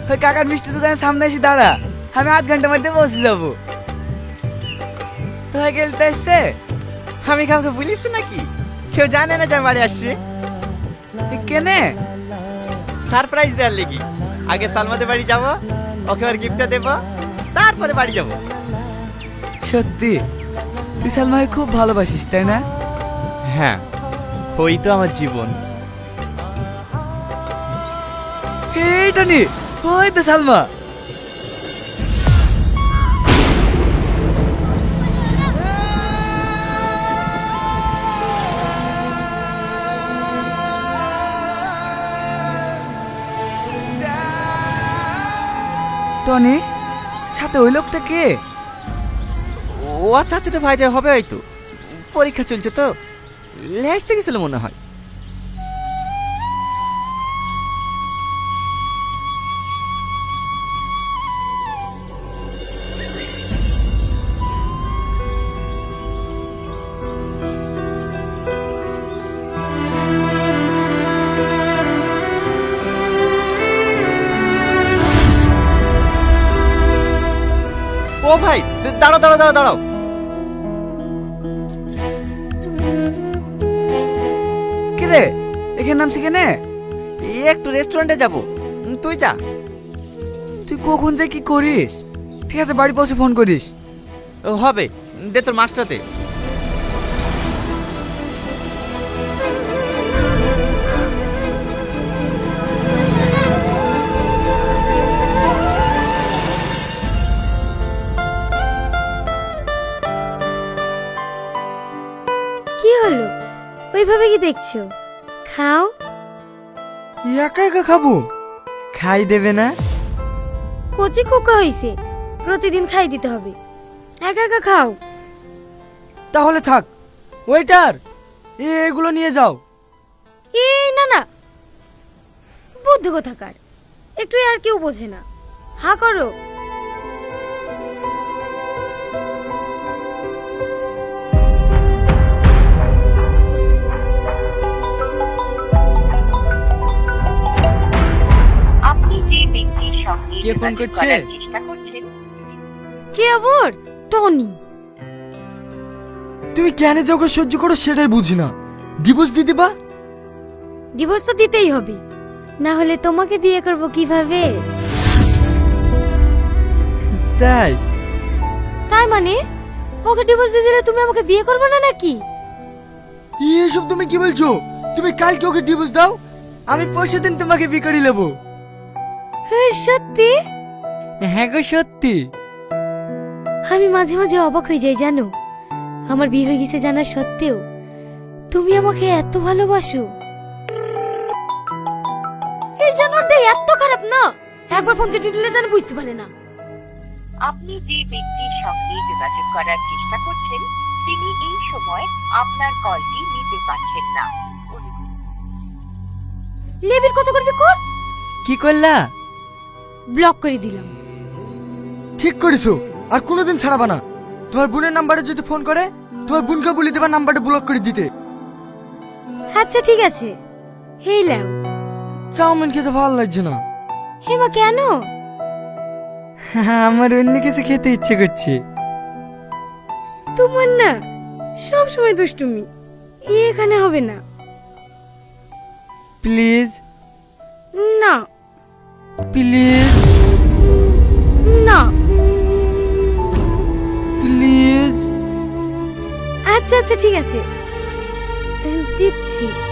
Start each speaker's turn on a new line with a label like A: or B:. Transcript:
A: ওই কাকার মিষ্টি দোকানের সামনে এসে দাঁড়া, আমি আধ ঘন্টার মধ্যে পৌঁছে যাবো। তো গেলতে এসছে?
B: আমি কাউকে বলিস নাকি? কেউ জানে না যে আমি বাড়ি আসছি।
A: কেনে?
B: সারপ্রাইজ দেওয়ার লেগে। আগে সালমাদের বাড়ি যাব, ওকে আর গিফটটা দেব, তারপরে বাড়ি যাব।
A: সত্যি তুই সালমাকে খুব ভালোবাসিস তাই না?
B: হ্যাঁ, ওই তো আমার জীবন।
A: এইটা নি, ওই তো সালমা। টনি, সাথে ওই লোকটা কে?
B: ও আচ্ছা আচ্ছা ভাইটা হবে হয়তো, পরীক্ষা চলছে তো, লেসতে গেছিল মনে হয়। ও ভাই, দাঁড়াও দাঁড়াও দাঁড়াও দাঁড়াও।
A: কে রে, এখানে নামছি কেনে?
B: একটু রেস্টুরেন্টে যাব, তুই যা।
A: তুই কখন যে কি করিস? ঠিক আছে, বাড়ি পৌঁছে ফোন করিস।
B: ও হবে, দে তোর মাছটাতে।
C: কি হলো, ওইভাবে কি দেখছো? খাও।
A: একা একা খাবো? খাই দেবে না?
C: কচি খোকা হইছে, প্রতিদিন খাই দিতে হবে। একা একা খাও।
A: তাহলে থাক। ওয়েটার, এগুলো নিয়ে যাও।
C: এই না না, বুদ্ধি কোথাকার, একটু আর কেউ বোঝে না। হা করো।
D: আপনি যে ব্যক্তির সঙ্গে
A: কে ফোন
D: যোগাযোগ
A: করছে?
D: করার চেষ্টা করছেন
C: কে আবার? টনি।
A: তুমি কেন যে ওকে সহ্য করো সেটাই বুঝি না। ডিভোর্স দিয়ে দিবা?
C: ডিভোর্স তো দিতেই হবে, না হলে তোমাকে বিয়ে করব কিভাবে?
A: তাই?
C: তাই মানে ওকে ডিভোর্স দিয়ে দিলে তুমি আমাকে বিয়ে করবে না নাকি?
A: এসব তুমি কি বলছো? তুমি কালকে ওকে ডিভোর্স দাও, আমি পরশুদিন তোমাকে বিয়ে করে নেবো।
C: সত্যি?
A: হ্যাঁ গো সত্যি।
C: আমি মাঝে মাঝে অবাক হয়ে যাই জানো, আমার বিয়ে হয়ে গেছে জানা সত্ত্বেও তুমি আমাকে এত ভালোবাসো। এই জানোয়ারটা এত খারাপ না, একবার ফোন কেটে দিলে যেন বুঝতে পারে না।
D: আপনি যে ব্যক্তির সঙ্গে যোগাযোগ করার চেষ্টা করছেন তিনি এই সময় আপনার কলটি নিতে পারছেন না।
C: লেবির কত করবি কর।
A: কি করলা?
C: ব্লক করে দিলাম।
A: ঠিক করেছো, আর কোনোদিন ছাড়াবা না। তোমার বোনের নাম্বারে যদি ফোন করে, তোমার বোনকে বলে দেবা নাম্বারটা ব্লক করে দিতে।
C: আচ্ছা ঠিক আছে। হেই লাও।
A: চাউমিন খেতে ভালো লাগছে না।
C: হেমা কেন?
A: আমার অন্য কিছু খেতে ইচ্ছে করছে।
C: তোমার না সব সময় দুষ্টুমি, এখানে হবে না।
A: প্লিজ
C: না
A: প্লিজ
C: না।
A: প্লিজ।
C: আচ্ছা আচ্ছা ঠিক আছে, দিচ্ছি।